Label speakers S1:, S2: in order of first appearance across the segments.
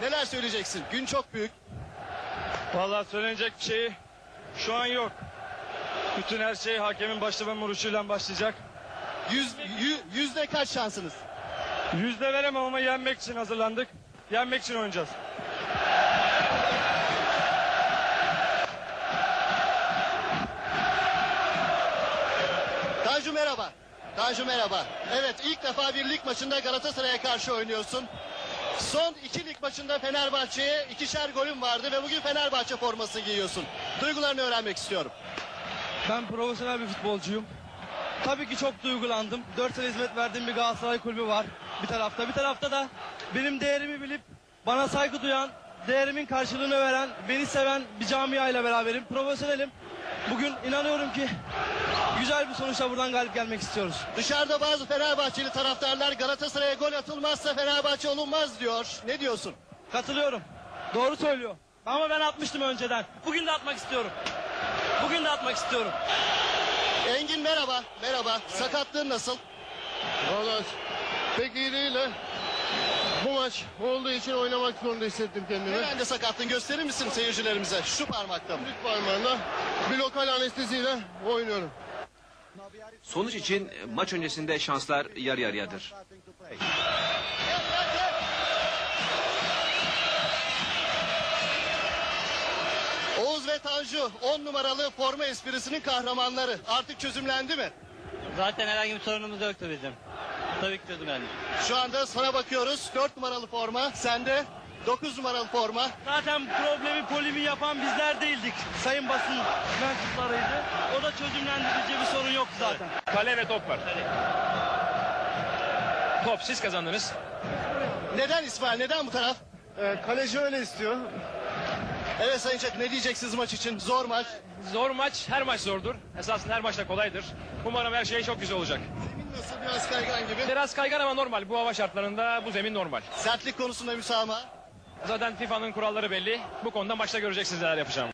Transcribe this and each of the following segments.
S1: Neler söyleyeceksin? Gün çok büyük.
S2: Vallahi söylenecek bir şey şu an yok. Bütün her şey hakemin başlama vuruşuyla başlayacak.
S1: Yüzde kaç şansınız?
S2: Yüzde veremem ama yenmek için hazırlandık. Yenmek için oynayacağız.
S1: Tanju merhaba. Tanju merhaba. Evet, ilk defa bir lig maçında Galatasaray'a karşı oynuyorsun. Son 2 lig maçında Fenerbahçe'ye 2'şer golün vardı ve bugün Fenerbahçe forması giyiyorsun. Duygularını öğrenmek istiyorum.
S3: Ben profesyonel bir futbolcuyum. Tabii ki çok duygulandım. 4 sene hizmet verdiğim bir Galatasaray kulübü var bir tarafta. Bir tarafta da benim değerimi bilip bana saygı duyan, değerimin karşılığını veren, beni seven bir camiayla beraberim. Profesyonelim. Bugün inanıyorum ki güzel bir sonuçla buradan galip gelmek istiyoruz.
S1: Dışarıda bazı Fenerbahçeli taraftarlar Galatasaray'a gol atılmazsa Fenerbahçe olunmaz diyor. Ne diyorsun?
S3: Katılıyorum. Doğru söylüyor. Ama ben atmıştım önceden. Bugün de atmak istiyorum. Bugün de atmak istiyorum.
S1: Engin merhaba. Merhaba. Sakatlığın nasıl?
S4: Valla pek iyi değil ha. Bu maç olduğu için oynamak zorunda hissettim kendimi.
S1: Hemen de sakatlığını gösterir misin seyircilerimize? Şu parmakta mı?
S4: Büyük parmağımla bir lokal anesteziyle oynuyorum.
S5: Sonuç için maç öncesinde şanslar yarı yarıyadır.
S1: Oğuz ve Tanju 10 numaralı forma esprisinin kahramanları. Artık çözümlendi mi?
S6: Zaten herhangi bir sorunumuz yoktu bizim. Tabii ki çözümlendik.
S1: Şu anda sana bakıyoruz. 4 numaralı forma. Sende 9 numaralı forma.
S3: Zaten problemi polimi yapan bizler değildik. Sayın basın mensuplarıydı. O da çözümlendirici bir sorun yoktu zaten.
S2: Kale ve top var. Top siz kazandınız.
S1: Neden İsmail? Neden bu taraf?
S4: Kaleci öyle istiyor.
S1: Evet Sayın Çak, ne diyeceksiniz maç için? Zor maç.
S2: Zor maç, her maç zordur. Esasında her maç da kolaydır. Umarım her şey çok güzel olacak.
S1: Zemin nasıl? Biraz kaygan gibi.
S2: Biraz kaygan ama normal. Bu hava şartlarında bu zemin normal.
S1: Sertlik konusunda müsamaha.
S2: Zaten FIFA'nın kuralları belli. Bu konuda maçta göreceksiniz neler yapacağım.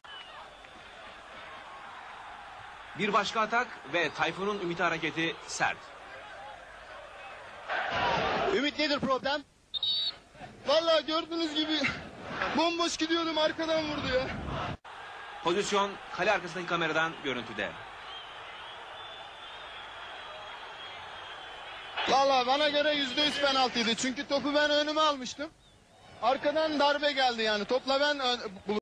S5: Bir başka atak ve Tayfun'un ümit hareketi sert.
S1: Ümit nedir problem?
S4: Valla gördüğünüz gibi bomboş gidiyordum, arkadan vurdu ya.
S5: Pozisyon kale arkasındaki kameradan görüntüde.
S4: Valla bana göre %100 penaltıydı. Çünkü topu ben önüme almıştım. Arkadan darbe geldi yani. Topla ben